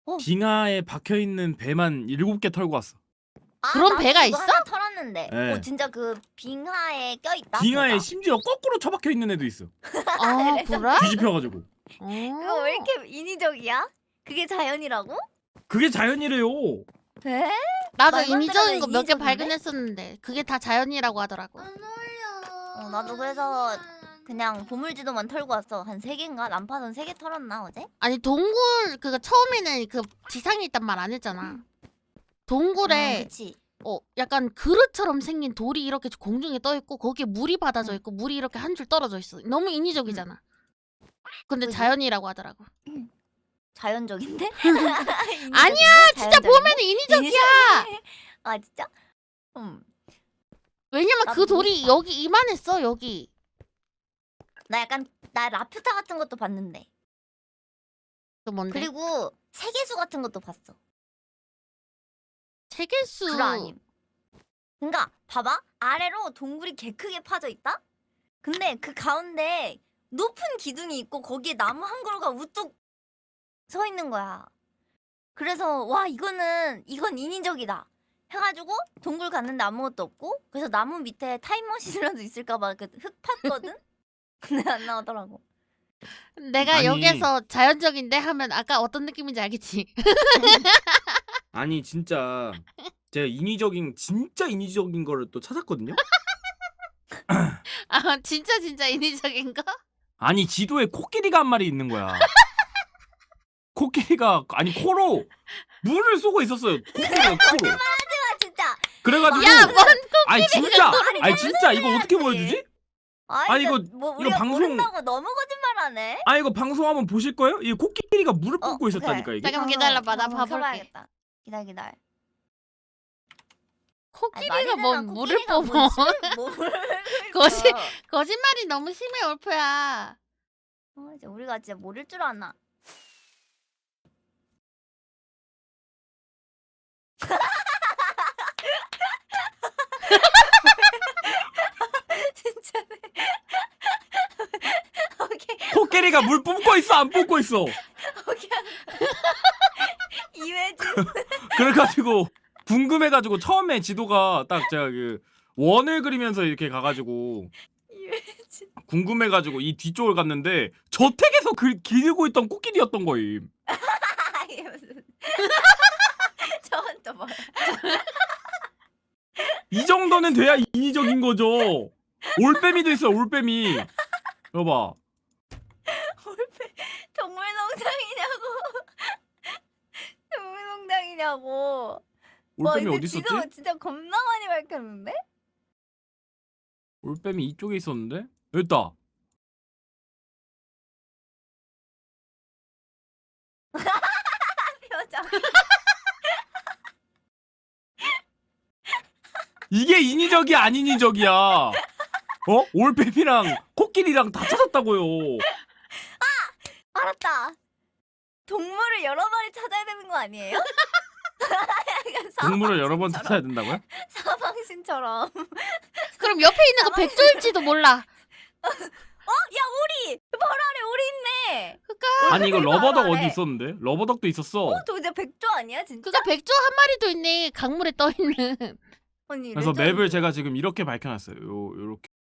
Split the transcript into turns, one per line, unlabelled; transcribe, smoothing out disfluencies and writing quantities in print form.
빙하에 박혀있는 배만 7개 털고 왔어.
그런
나도
배가
그거
있어?
하나 털었는데.
네.
진짜 그 빙하에 껴있다.
빙하에
배가.
심지어 거꾸로 처박혀 있는 애도 있어.
아 그래?
뒤집혀가지고.
그거 왜 이렇게 인위적이야? 그게 자연이라고?
그게 자연이래요.
돼?
나도
말도 안
인위적인 거
되는
몇 개
인위적인데?
발견했었는데 그게 다 자연이라고 하더라고.
안 어울려.
나도 그래서 그냥 보물지도만 털고 왔어. 한 3개인가? 난파선 3개 털었나 어제?
아니 동굴 그거 처음에는 그 지상에 있단 말 안 했잖아. 동굴에
그치.
약간 그릇처럼 생긴 돌이 이렇게 공중에 떠 있고 거기에 물이 받아져 있고 물이 이렇게 한 줄 떨어져 있어. 너무 인위적이잖아. 근데
그지?
자연이라고 하더라고.
자연적인데?
아니야, 진짜
자연적인데?
보면 인위적이야.
아 진짜?
왜냐면 그
나도
돌이
모르겠다.
여기 이만했어 여기.
나 라퓨타 같은 것도 봤는데.
그 뭔데?
그리고 세계수 같은 것도 봤어.
세계수.
불화 아님. 그니까 봐봐. 아래로 동굴이 개 크게 파져 있다? 근데 그 가운데 높은 기둥이 있고 거기에 나무 한 그루가 우뚝 서 있는 거야. 그래서 와 이건 인위적이다 해가지고 동굴 갔는데 아무것도 없고, 그래서 나무 밑에 타임머신이라도 있을까봐 그 흙 팠거든? 근데 안 나오더라고.
내가
아니.
여기서 자연적인데 하면 아까 어떤 느낌인지 알겠지?
아니 진짜 제가 진짜 인위적인 거를 또 찾았거든요.
아 진짜 인위적인 거?
아니 지도에 코끼리가 한 마리 있는 거야. 코끼리가 코로 물을 쏘고 있었어요. 코끼리가 코로.
아 진짜.
그래가지고
야, 뭔
아니 진짜
말이
진짜 이거 어떻게
해야지.
보여주지?
아니
이거-
이거 뭐
이거
우리가
방송-
모른다고 너무 거짓말하네.
이거 방송 한번 보실 거예요? 이 코끼리가 물을 뿜고 있었다니까
그래.
이게.
잠깐만 기다려봐, 나 봐볼게.
켜봐야겠다. 기다려.
코끼리가 뭔 물을 뿜어? 거짓말이 너무 심해 올프야.
이제 우리가 진짜 모를 줄 아나. 진짜네. 오케이.
코끼리가 물 뿜고 있어 안 뿜고 있어?
오케이. 이회진.
그래가지고 궁금해가지고 처음에 지도가 딱 제가 그 원을 그리면서 이렇게 가가지고
이회진.
궁금해가지고 이 뒤쪽을 갔는데 저택에서 기르고 있던 코끼리였던 거임.
이게 무슨. 저건 또 뭐야?
이 정도는 돼야 인위적인 거죠. 올빼미도 있어 올빼미. 여봐.
동물농장이냐고. 동물농장이냐고.
올빼미
이거
어디 있었지?
지도 진짜 겁나 많이 밝혔는데?
올빼미 이쪽에 있었는데? 여기 있다.
표정.
이게 인위적이야 안 인위적이야? 올빼미랑 코끼리랑 다 찾았다고요.
알았다. 동물을 여러 마리 찾아야 되는 거 아니에요? 약간
동물을 여러 번
사방신처럼.
찾아야 된다고요?
사방신처럼.
그럼 옆에 있는 거 백조일지도 몰라.
야 오리! 바로 아래 오리 있네.
아니 이거
바로
러버덕
아래.
어디 있었는데? 러버덕도 있었어.
저 이제 백조 아니야 진짜?
그거 백조 한 마리도 있네 강물에 떠 있는.
아니
그래서
레전드.
맵을 제가 지금 이렇게 밝혀놨어요. 요렇게.